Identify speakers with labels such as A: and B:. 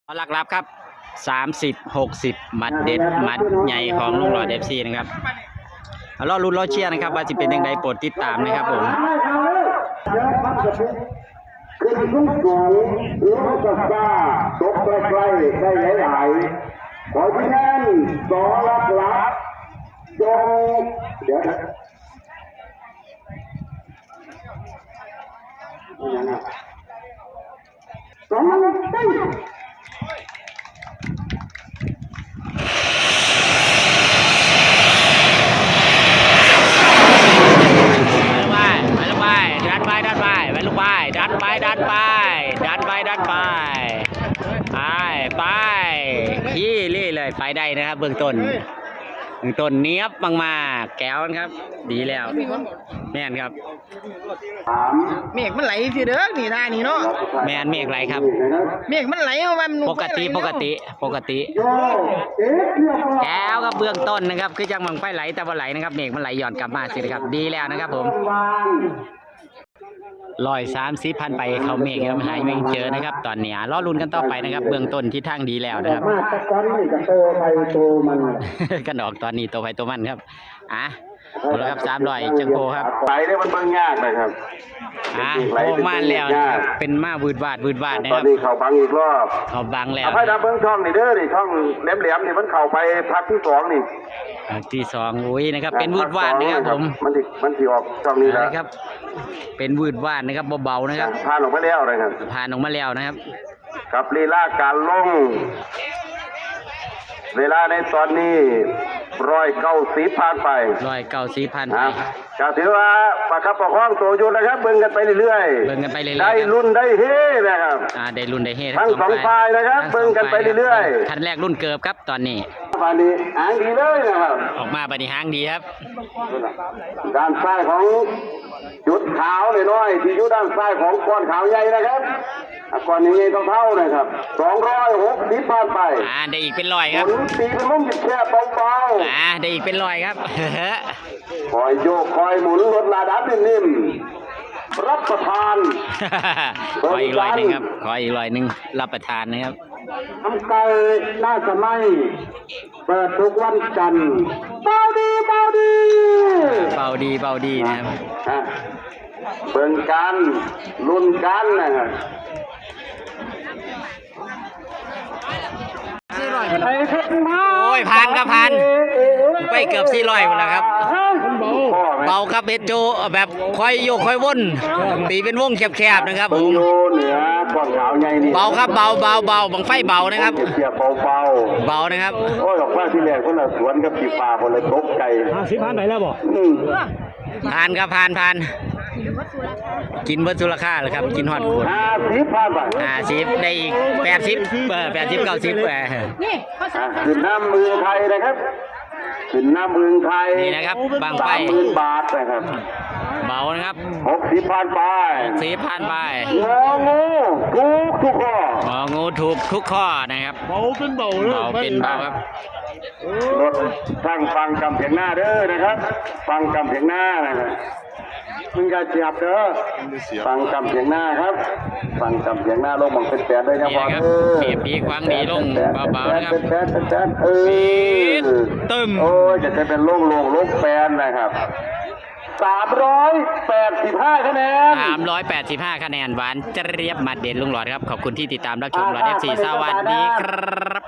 A: หลักรับครับ30-60หมัดเด็ดหมัดใหญ่ของลุงหลอด FC นะครับรอลุ้นรอเชียร์นะครับว่าจะเป็นยังไงโปรดติดตามนะครับผม
B: ขึ้นสูงสูงหรือว่าจะกล้าตกใกล้ๆได้หลายๆขอที่แน่นสองหลักจงเดี๋ยวสองหลักได้
A: ที่นี่เลยไปได้นะครับเบื้องต้นเนี้ยบมากๆแก้วนะครับดีแล้วแม่นครับ
C: เมฆมันไหลสิเด้อนี่ท่านี่เนาะ
A: แม่นเมฆไหลครับ
C: เมฆมันไหลมัน
A: ปกติแก้วครับเบื้องต้นนะครับคือจังมังไฟไหลแต่ว่าไหลนะครับเมฆมันไหลหย่อนกลับมาสิครับดีแล้วนะครับผม130,000ไปเขาเมฆครับหายไม่เจอนะครับตอนนี้รอลุ้นกันต่อไปนะครับเบื้องต้นที่ทางดีแล้วนะครับ
B: มาตะกอนนี่กับโตไปโตมัน
A: กันออกตอนนี้ตัวไปตัวมันครับเอาละครับ300จังโกครับ
B: ไปได้มันเบิ่งยากนะครับ
A: โอ้มาแล้วเป็นมาวืดวาดนะค
B: รับตอนนี้เขาบังอีกรอบ
A: เขาบังแล้ว
B: ให้ดับเบิ้งช่องนี่เด้อนี่ช่องแหลมนี่มันเข้าไปพักที่2นี่
A: ที่2อุ้ยนะครับเป็นวืดวาดนะครับผม
B: มันที่ออกช่องนี้
A: นะครับเป็นวืดวาดนะครับเบาๆนะครับ
B: ผ่านออกมาแล้วนะครับ
A: ผ่านออกมาแล้วนะครับ
B: กับลีลาการลงเวลาในตอนนี้190ผ่านไป
A: 190ไป
B: ก็ถือว่าประคับประคองตัวอยู่นะครับเบิ่งกันไปเรื่อยๆได้รุ่นได้เฮนะครับ
A: ได้รุ่นได้เฮ
B: ทั้ง2ฝ่ายนะครับเบิ่งกันไปเรื่อย
A: ๆคันแรกรุ่นเกิบครับตอนนี้
B: บัดนี้หางดีเลยนะครับ
A: ออกมาบัดนี้หางดีครับ
B: ด้านซ้ายของจุดขาวน้อยๆที่อยู่ด้านซ้ายของก้อนขาวใหญ่นะครับก้อนนี้ใหญ่เท่าๆนะครับ260ผ่านไป
A: ได้อีกเป็น100ครับ
B: ตีเป็นมุมแคบเบา
A: ๆได้อีกเป็น100ครับ
B: คอยโยกคอยหมุนรถลาดับนิ่มๆรับประทาน
A: ขออีก100นึงครับขออีก100นึงรับประทานนะครับ
B: ทำไก่น่าจะไม่เปิดทุกวันจันทร์เบา
A: ดีนะครับ
B: เบิ่งกันลุ้นกันนะครับ
A: โอ้ยผ่านครับผ่านไปเกือบ400หมดแล้วครับเบาครับเบโจแบบค่อยโยกค่อยวนตีเป็นวงแคบๆนะครับผมเบาครับเบาบังไฟเบานะครับเบานะครับ
B: โอ้ยบอกว่าที่แรกคนละสวนกับจีป่าคนละตกใจ
C: 50ผ่านไปแล้วบ่
A: ผ่านครับผ่านกินวัตถุราคาเลยครับกินฮอดคน
B: 50ผ่านไป
A: 50ได้อีก80 90
B: นี่ขึ้นน้ำมือไทยนะครับขึ้นน้ำมือไทย
A: นี่นะครับบางไฟ
B: 30,000 บาทนะครับ
A: เบานะครับ
B: 60ผ่านไป
A: ผ่านไป
B: งูถูกทุกข้อ
A: งูถูกทุกข้อนะครับ
C: เบาเป็นเบา
A: ครับ
B: รถตั้งฟังกำเพียงหน้าเด้อนะครับฟังกำเพียงหน้านะครับมึงอย่าเจ็บเด้อฟังกำเพียงหน้าครับฟังกำเพียงหน้าลงบังเป็นแปดได้ครับ
A: เปียบดีควางดีลงเบาๆนะครับตึม
B: โอ้ยจะเป็นลงแปดนะครับ385คะแนน
A: 385คะแนนหวานเจี๊ยบมาเด่นลุงหลอดครับขอบคุณที่ติดตามรับชมหลอด FC สวัสดีครับ